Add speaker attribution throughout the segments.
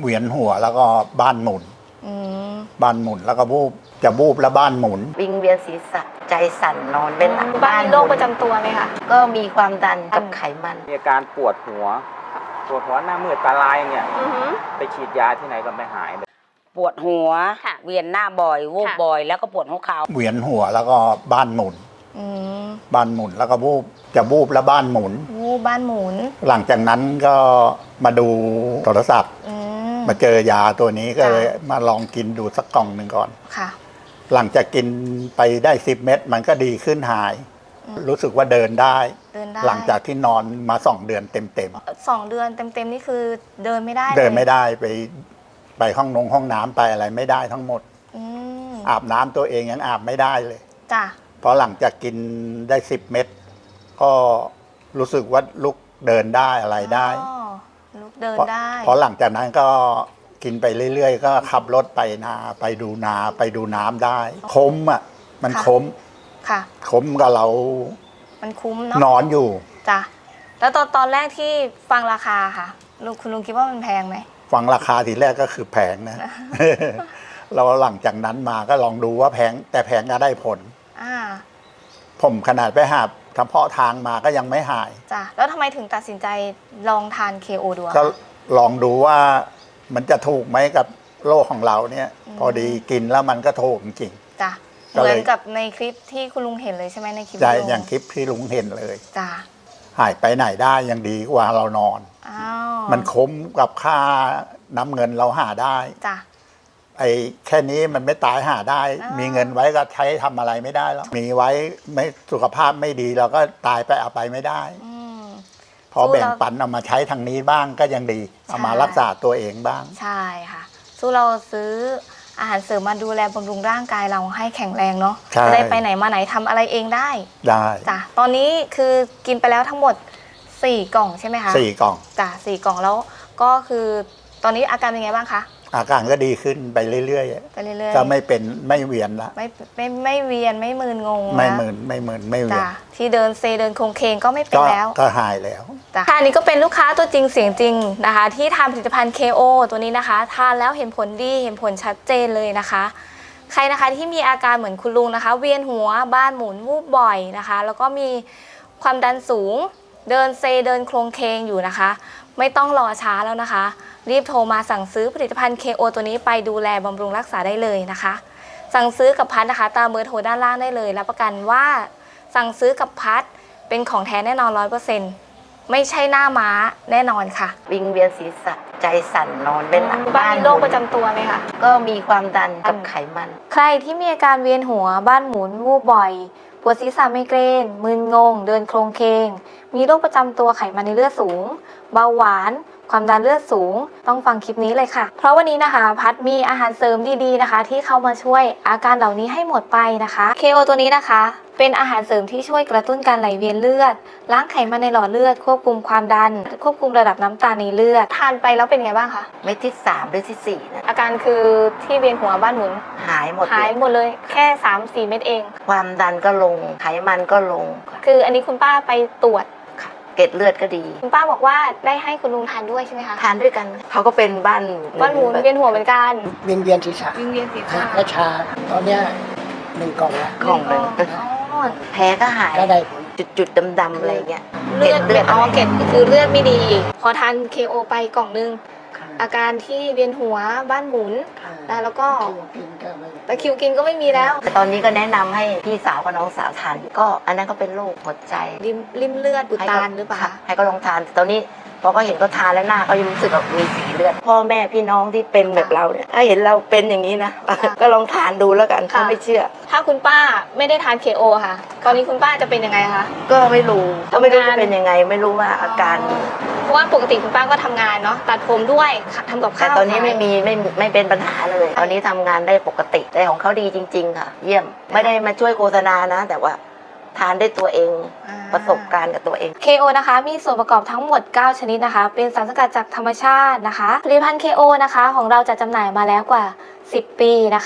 Speaker 1: เวียนหัวแล้วก็บ้านหมุนบ้านหมุนแล้วก็จะบูบแล้วบ้านหมุน
Speaker 2: วิงเวียนศีรษะใจสั่นนอนไม่หลับ
Speaker 3: บ้านมีโรคประจำตัวไหมคะ
Speaker 2: ก็มีความดันกับไขมัน
Speaker 4: มีอาการปวดหัวหน้ามืดตาลายอย่างเงี้ยไปฉีดยาที่ไหนก็ไม่หาย
Speaker 5: ปวดหัวเวียนหน้าบ่อยวูบบ่อยแล้วก็ปวดหัวเข่า
Speaker 1: เวียนหัวแล้วก็บ้านหมุนบ้านหมุนแล้วก็จะบูบแล้วบ้านหมุน
Speaker 3: บ้านหมุน
Speaker 1: หลังจากนั้นก็มาดูโทรศัพท์มาเจอยาตัวนี้ก็เลยมาลองกินดูสักกล่องหนึ่งก่อน
Speaker 3: ค่ะ
Speaker 1: หลังจากกินไปได้10 เม็ดมันก็ดีขึ้นหายรู้สึกว่าเดินได้หลังจากที่นอนมา2 เดือนเต็ม
Speaker 3: 2 เดือนเต็มนี่คือเดินไม่ได้
Speaker 1: ไปห้องน้ำไปอะไรไม่ได้ทั้งหมดอาบน้ำตัวเองยังอาบไม่ได้เลย
Speaker 3: จ้ะ
Speaker 1: พอหลังจากกินได้10 เม็ดก็รู้สึกว่าลุกเดินได้อะไรได้
Speaker 3: ลุกเดินได้
Speaker 1: พอหลังจากนั้นก็กินไปเรื่อยๆก็ขับรถไปนาไปดูน้ำได้คุ้มอ่ะมันคุ้ม
Speaker 3: ค่ะ
Speaker 1: คุ้มกับเรา
Speaker 3: มันคุ้มเนาะ
Speaker 1: นอนอยู่
Speaker 3: จ้ะแล้วตอนแรกที่ฟังราคาค่ะคุณลุงคิดว่ามันแพงไหม
Speaker 1: ฟังราคาทีแรกก็คือแพงนะ เราหลังจากนั้นมาก็ลองดูว่าแพงแต่แพงก็ได้ผลผมขนาดไปหาทำเพาะทางมาก็ยังไม่หาย
Speaker 3: จ้ะแล้วทำไมถึงตัดสินใจลองทาน KO ดู
Speaker 1: ก็ลองดูว่ามันจะถูกไหมกับโรคของเราเนี่ยพอดีกินแล้วมันก็ถูกจริง
Speaker 3: จ้ะเหมือนกับในคลิปที่คุณลุงเห็นเลยใช่ไหมในคลิป
Speaker 1: ใช่อย่างคลิปที่ลุงเห็นเลย
Speaker 3: จ้ะ
Speaker 1: หายไปไหนได้ยังดีกว่าเรานอนมันคุ้มกับค่าน้ำเงินเราหาได้
Speaker 3: จ้ะ
Speaker 1: ไอ้แค่นี้มันไม่ตายหาได้มีเงินไว้ก็ใช้ทำอะไรไม่ได้แล้วมีไว้ไม่สุขภาพไม่ดีเราก็ตายไปเอาไปไม่ได้พอแบ่งปันเอามาใช้ทางนี้บ้างก็ยังดีเอามารักษาตัวเองบ้าง
Speaker 3: ใช่ค่ะสู้เราซื้ออาหารเสริมมาดูแลบำรุงร่างกายเราให้แข็งแรงเนาะจะได้ไปไหนมาไหนทำอะไรเองได้จ้ะตอนนี้คือกินไปแล้วทั้งหมด4 กล่องใช่ไหมคะ
Speaker 1: 4 กล่อง
Speaker 3: จ้ะ4 กล่องแล้วก็คือตอนนี้อาการเป็นไงบ้างคะ
Speaker 1: อาการก็ดีขึ้นไปเรื่อยๆก็ไม่เวียนละ
Speaker 3: ไม่เวียนไม่มึนงง
Speaker 1: ไม่มึนไม่เวียน
Speaker 3: ที่เดินโครงเคงก็ไม่เป็นแล้ว
Speaker 1: ก็หายแล้ว
Speaker 3: ค่ะอันนี้ก็เป็นลูกค้าตัวจริงเสียงจริงนะคะที่ทานผลิตภัณฑ์ KO ตัวนี้นะคะทานแล้วเห็นผลดีเห็นผลชัดเจนเลยนะคะใครนะคะที่มีอาการเหมือนคุณลุงนะคะเวียนหัวบ้านหมุนวูบบ่อยนะคะแล้วก็มีความดันสูงเดินโครงเคงอยู่นะคะไม่ต้องรอช้าแล้วนะคะรีบโทรมาสั่งซื้อผลิตภัณฑ์ KO ตัวนี้ไปดูแลบำรุงรักษาได้เลยนะคะสั่งซื้อกับพัดนะคะตามเบอร์โทรด้านล่างได้เลยรับประกันว่าสั่งซื้อกับพัดเป็นของแท้แน่นอน 100%ไม่ใช่หน้าม้าแน่นอนค่ะ
Speaker 2: วิงเวียนศีรษะใจสั่นนอนไม่หลับ
Speaker 3: บ้านมีโรคประจำตัวไหมคะ
Speaker 2: ก็มีความดันกับไขมัน
Speaker 3: ใครที่มีอาการเวียนหัวบ้านหมุนวูบบ่อยปวดศีรษะไมเกรนมึนงงเดินโครงเคงมีโรคประจำตัวไขมันในเลือดสูงเบาหวานความดันเลือดสูงต้องฟังคลิปนี้เลยค่ะเพราะวันนี้นะคะพัดมีอาหารเสริมดีๆนะคะที่เข้ามาช่วยอาการเหล่านี้ให้หมดไปนะคะ KO ตัวนี้นะคะเป็นอาหารเสริมที่ช่วยกระตุ้นการไหลเวียนเลือดล้างไขมันในหลอดเลือดควบคุมความดันควบคุมระดับน้ำตาลในเลือดทานไปแล้วเป็นไงบ้างคะ
Speaker 2: เม็ดที่3หรือที่4นะ
Speaker 3: อาการคือที่เวียนหัวบ้านหมุน
Speaker 2: หายหมด
Speaker 3: เลยแค่ 3-4 เม็ดเอง
Speaker 2: ความดันก็ลงไขมันก็ลง
Speaker 3: คืออันนี้คุณป้าไปตรวจ
Speaker 2: เกล็ดเลือดก็ดี
Speaker 3: คุณป้าบอกว่าได้ให้คุณลุงทานด้วยใช่ไหมคะ
Speaker 2: ทานด้วยกันเขาก็เป็นบ้าน
Speaker 3: หมุนเวียนหัวเหมือนกัน
Speaker 6: เวียนศีรษะและชาตอนเนี้ย1 กล่องละ
Speaker 2: กล่องนึงแพ้ก็หาย
Speaker 6: ก็ได้ผล
Speaker 2: จุดดำๆอะไรเงี้ย
Speaker 3: เลือดเกล็ดคือเลือดไม่ดีพอทาน KO ไปกล่องนึงอาการที่เวียนหัวบ้านหมุนแล้วก็ตะคิวกินก็ไม่มีแล้ว
Speaker 2: ตอนนี้ก็แนะนำให้พี่สาวกับน้องสาวทานก็อันนั้นก็เป็นโรคหัวใจ
Speaker 3: ริมเลือดอุดตันหรือเปล่า
Speaker 2: ให้ก็ลองทานตอนนี้พอก็เห็นเขาทานแล้วหน้าก็ยังรู้สึกแบบมีสีเลือดพ่อแม่พี่น้องที่เป็นแบบเราเนี่ยถ้าเห็นเราเป็นอย่างนี้นะก็ลองทานดูแล้วกันถ้าไม่เชื่อ
Speaker 3: ถ้าคุณป้าไม่ได้ทาน KO ค่ะตอนนี้คุณป้าจะเป็นยังไงคะ
Speaker 2: ก็ไม่รู้จะเป็นยังไงไม่รู้ว่าอาการ
Speaker 3: เพราะว่าปกติคุณป้าก็ทำงานเนาะตัดผมด้วยทำกับข้าว
Speaker 2: แต่ตอนนี้ไม่เป็นปัญหาเลยตอนนี้ทำงานได้ปกติแต่ของเขาดีจริงๆค่ะเยี่ยมไม่ได้มาช่วยโฆษณานะแต่ว่าทานได้ตัวเองประสบการณ์กับตัวเอง
Speaker 3: KO นะคะมีส่วนประกอบทั้งหมด9ชนิดนะคะเป็นสารสกัดจากธรรมชาตินะคะผลิตภัณฑ์ KO นะคะของเราจะจำหน่ายมาแล้วกว่า10 ปีนะคะ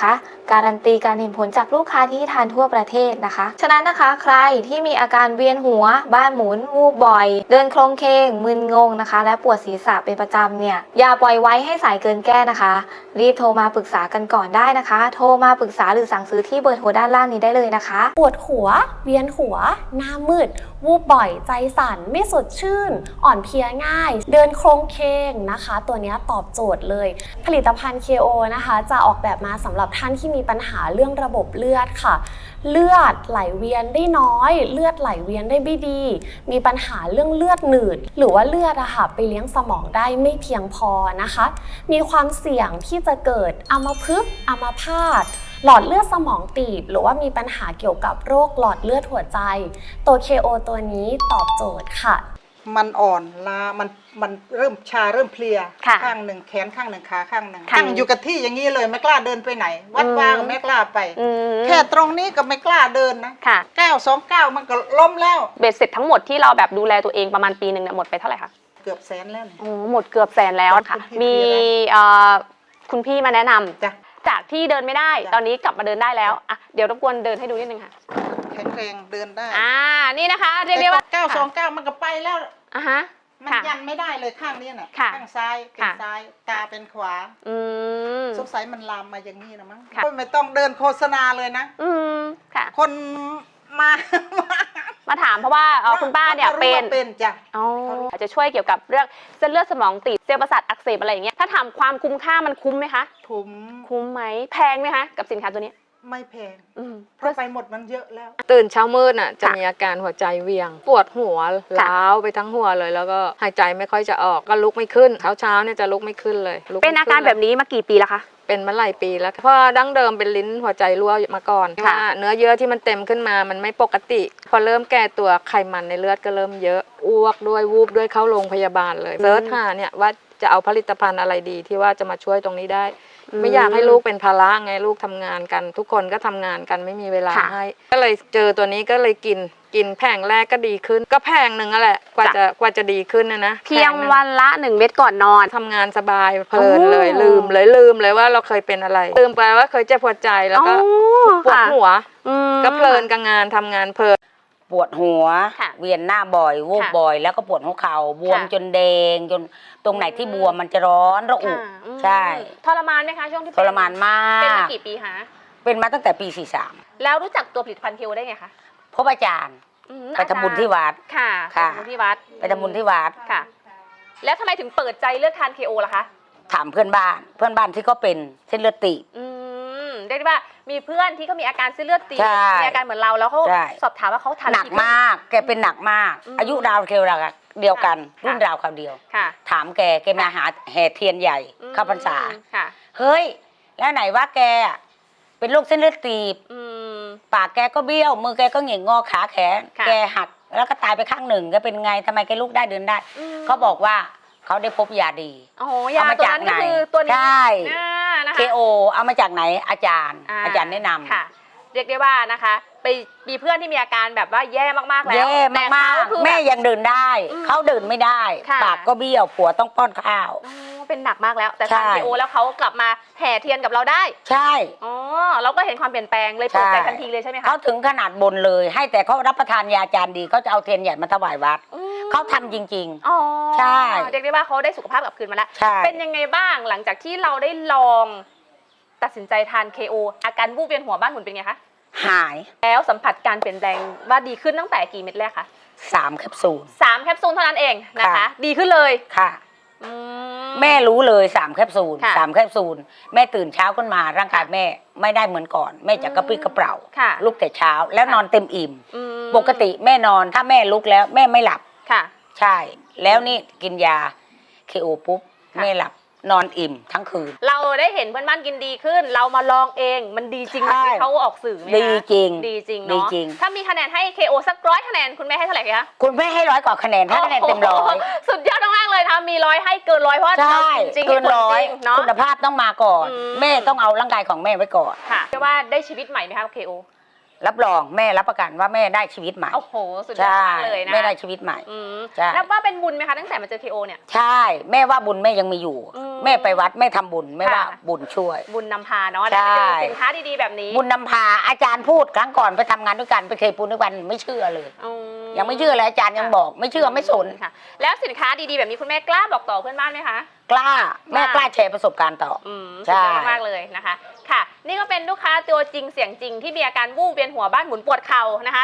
Speaker 3: การันตีการเห็นผลจากลูกค้าที่ทานทั่วประเทศนะคะ ฉะนั้นนะคะใครที่มีอาการเวียนหัวบ้านหมุนวูบบ่อย เดินโคลงเคงมึนงงนะคะ และปวดศีรษะเป็นประจำเนี่ยอย่าปล่อยไว้ให้สายเกินแก้นะคะ รีบโทรมาปรึกษากันก่อนได้นะคะ โทรมาปรึกษาหรือสั่งซื้อที่เบอร์โทรด้านล่างนี้ได้เลยนะคะ
Speaker 7: ปวดหัวเวียนหัวหน้ามืดวูบบ่อยใจสั่นไม่สดชื่นอ่อนเพลียง่ายเดินโครงเคงนะคะตัวนี้ตอบโจทย์เลยผลิตภัณฑ์ KO นะคะจะออกแบบมาสำหรับท่านที่มีปัญหาเรื่องระบบเลือดค่ะเลือดไหลเวียนได้น้อยเลือดไหลเวียนได้ไม่ดีมีปัญหาเรื่องเลือดหนืดหรือว่าเลือดอะค่ะไปเลี้ยงสมองได้ไม่เพียงพอนะคะมีความเสี่ยงที่จะเกิดอัมพฤกษ์อัมพาตหลอดเลือดสมองตีบหรือว่ามีปัญหาเกี่ยวกับโรคหลอดเลือดหัวใจตัว KO ตัวนี้ตอบโจทย์ค่ะ
Speaker 8: มันอ่อนล้ามันเริ่มชาเริ่มเพลียข้างหนึ่งแขนข้างหนึ่งขาข้างหนึ่งนั่งอยู่กับที่อย่างนี้เลยไม่กล้าเดินไปไหนวัดว่าก็ไม่กล้าไปแค่ตรงนี้ก็ไม่กล้าเดินนะ929มันก็ล้มแล้ว
Speaker 9: เบ็ดเสร็จทั้งหมดที่เราแบบดูแลตัวเองประมาณปีหนึ่งเนี่ยหมดไปเท่าไหร่คะ
Speaker 8: เกือบแสนแล้วเนี่ย
Speaker 9: หมดเกือบแสนแล้วค่ะมีคุณพี่มาแนะนำจากที่เดินไม่ได้ตอนนี้กลับมาเดินได้แล้วอ่ะเดี๋ยวรบกวนเดินให้ดูนิดนึงค่ะ
Speaker 8: แข็งแรงเดินได้
Speaker 9: นี่นะคะเรียกได้ว่า
Speaker 8: 929มันก็ไปแล้วมันยันไม่ได้เลยข้างนี้น่ะข้างซ้ายเป็นซ้ายตาเป็นขวาสงสัยมันลามมาอย่างนี้นะมั้งไม่ต้องเดินโฆษณาเลยนะคน
Speaker 9: มาถามเพราะว่าคุณป้าเนี่ยเป็น
Speaker 8: จ้ะ
Speaker 9: อาจจะช่วยเกี่ยวกับเรื่องเส้นเลือดสมองตีบเซลล์ประสาทอักเสบอะไรอย่างเงี้ยถ้าถามความคุ้มค่ามันคุ้มไหมคะคุ้มไหมแพงไหมคะกับสินค้าตัวนี้
Speaker 8: ไม่แพงเพราะไปหมดมันเยอะแล้ว
Speaker 10: ตื่นเช้ามืดน่ะจะมีอาการหัวใจเวียงปวดหัวล้าวไปทั้งหัวเลยแล้วก็หายใจไม่ค่อยจะออกก็ลุกไม่ขึ้นเช้าเนี่ยจะลุกไม่ขึ้นเลย
Speaker 9: เป็นอาการแบบนี้มากี่ปีแล้วคะ
Speaker 10: เป็นมาหลายปีแล้วเพราะดั้งเดิมเป็นลิ้นหัวใจรั่วมาก่อนว่าเนื้อเยื่อที่มันเต็มขึ้นมามันไม่ปกติพอเริ่มแก่ตัวไขมันในเลือดก็เริ่มเยอะอ้วกด้วยวูบด้วยเข้าโรงพยาบาลเลยเซิร์ชหาเนี่ยว่าจะเอาผลิตภัณฑ์อะไรดีที่ว่าจะมาช่วยตรงนี้ได้ไม่อยากให้ลูกเป็นภาระไงลูกทำงานกันทุกคนก็ทำงานกันไม่มีเวลาให้ก็เลยเจอตัวนี้ก็เลยกินแผงแรกก็ดีขึ้นก็แผงหนึ่งแหละกว่าจะดีขึ้นนะ
Speaker 9: เพียงวันละ1 เม็ดก่อนนอน
Speaker 10: ทำงานสบายเพลินเลยลืมเลยว่าเราเคยเป็นอะไรลืมไปว่าเคยเจ็บปวดใจแล้วก็ปวดหัวก็เพลินกับงานทำงานเพลิน
Speaker 5: ปวดหัวเวียนหน้าบ่อยวูบบ่อยแล้วก็ปวดหัวเข่าบวมจนแดงจนตรงไหนที่บวมมันจะร้อนระอุใช่
Speaker 9: ทรมานไหมคะช่วงที่
Speaker 5: ทรมานมาก
Speaker 9: เป็นมากี่ปีคะ
Speaker 5: เป็นมาตั้งแต่ปี43
Speaker 9: แล้วรู้จักตัวผลิตภัณฑ์ KOได้ไงคะ
Speaker 5: พบอาจารย์ไปทำบุญที่วัด
Speaker 9: ค่ะไปทำบุญที่วัดค่ะแล้วทำไมถึงเปิดใจเลือกทาน KO ล่ะคะ
Speaker 5: ถามเพื่อนบ้านที่เขาเป็นเส้นเลือดตีบ
Speaker 9: เรียกได้ว่ามีเพื่อนที่เขามีอาการเส้นเลือดตีบมีอาการเหมือนเราแล้วเขาสอบถามว่าเขาทาน
Speaker 5: หนักมากแกเป็นหนักมากอายุราวเดียวกันรุ่นราวคราวเดียวถามแกมาหาแห่เทียนใหญ่เข้าพรรษาเฮ้ยแล้วไหนว่าแกเป็นโรคเส้นเลือดตีบปากแกก็เบี้ยวมือแกก็เหง่งงอขาแขนแกหักแล้วก็ตายไปข้างหนึ่งแกเป็นไงทำไมแกลุกได้เดินได้เขาบอกว่าเขาได้พบยาดี
Speaker 9: เอามาจากไหนตัวนี้
Speaker 5: ใช่ KO เอามาจากไหนอาจารย์แนะนำ
Speaker 9: ค่ะเรียกได้ว่านะคะไปมีเพื่อนที่มีอาการแบบว่าแย่มากๆแล้ว
Speaker 5: แย่มากๆแม่ยังเดินได้เขาเดินไม่ได้ปากก็เบี้ยวผัวต้องป้อนข้าว
Speaker 9: เป็นหนักมากแล้วแต่ทาน KO แล้วเขากลับมาแห่เทียนกับเราได้
Speaker 5: ใช่
Speaker 9: เราก็เห็นความเปลี่ยนแปลงเลยเปิดใจทันทีเลยใช่ไหมคะ
Speaker 5: เขาถึงขนาดบนเลยให้แต่เขารับประทานยาจารย์ดีเขาจะเอาเทียนใหญ่มาถวายวัดเขาทำจริงๆใช่
Speaker 9: เรียกได้ว่าเขาได้สุขภาพกลับคืนมาแล้วเป็นยังไงบ้างหลังจากที่เราได้ลองตัดสินใจทาน KO อาการวูบเวียนหัวบ้านหมุนเป็นไงคะ
Speaker 5: หาย
Speaker 9: แล้วสัมผัสการเปลี่ยนแปลงว่าดีขึ้นตั้งแต่กี่เม็ดแรกคะ
Speaker 5: 3 แคปซูล
Speaker 9: เท่านั้นเองนะคะดีขึ้นเลย
Speaker 5: ค่ะแม่รู้เลย3 แคปซูลแม่ตื่นเช้าขึ้นมาร่างกายแม่ไม่ได้เหมือนก่อนแม่จะกระปรี้กระเปร่าลุกแต่เช้าแล้วนอนเต็มอิ่มปกติแม่นอนถ้าแม่ลุกแล้วแม่ไม่หลับใช่แล้วนี่กินยา KO ปุ๊บแม่หลับนอนอิ่มทั้งคืน
Speaker 9: เราได้เห็นเพื่อนบ้านกินดีขึ้นเรามาลองเองมันดีจริงไหมที่เขาออกสื่อไหม
Speaker 5: ดีจริง
Speaker 9: เนาะถ้ามีคะแนนให้ KO สัก100 คะแนนคุณแม่ให้เท่าไหร่คะ
Speaker 5: คุณแม่ให้100 กว่าคะแนนให้คะแนนเต็ม100
Speaker 9: สุดยอดมากเลยนะมี100ให้เกิน100เพราะเราจริง
Speaker 5: เกิน100เนาะคุณภาพต้องมาก่อนแม่ต้องเอาร่างกายของแม่ไว้ก่อน
Speaker 9: ค่ะว่าได้ชีวิตใหม่ไหมคะ KO
Speaker 5: รับรองแม่รับประกันว่าแม่ได้ชีวิตใหม่
Speaker 9: โอ้โหสุดยอดมากเลยนะ
Speaker 5: แม่ได้ชีวิตใหม่ ใช่
Speaker 9: นับว่าเป็นบุญไหมคะตั้งแต่มาเจอ KO เนี่ย
Speaker 5: ใช่แม่ว่าบุญแม่ยังมีอยู่ แม่ไปวัดแม่ทำบุญแม่ว่า
Speaker 9: ค่ะ
Speaker 5: บุญช่วย
Speaker 9: บุญนำพาเนาะ
Speaker 5: ใช่
Speaker 9: ได้ไปเจอสินค้าดีๆแบบนี้
Speaker 5: บุญนำพาอาจารย์พูดครั้งก่อนไปทำงานด้วยกันไปเคยปูนด้วยกันไม่เชื่อเลย
Speaker 9: อืม
Speaker 5: ยังไม่เชื่อเลยอาจารย์ยังบอกไม่เชื่อไม่สน
Speaker 9: ค่ะ แล้วสินค้าดีๆแบบนี้คุณแม่กล้าบอกต่อเพื่อนบ้านไหมคะ
Speaker 5: กล้าแม่กล้าแชร์ประสบการณ์ต่อ
Speaker 9: สุดยอดมากเลยนะคะ ค่ะ นี่ก็เป็นลูกค้าตัวจริงเสียงจริงที่มีอาการวูบเวียนหัวบ้านหมุนปวดเข่านะคะ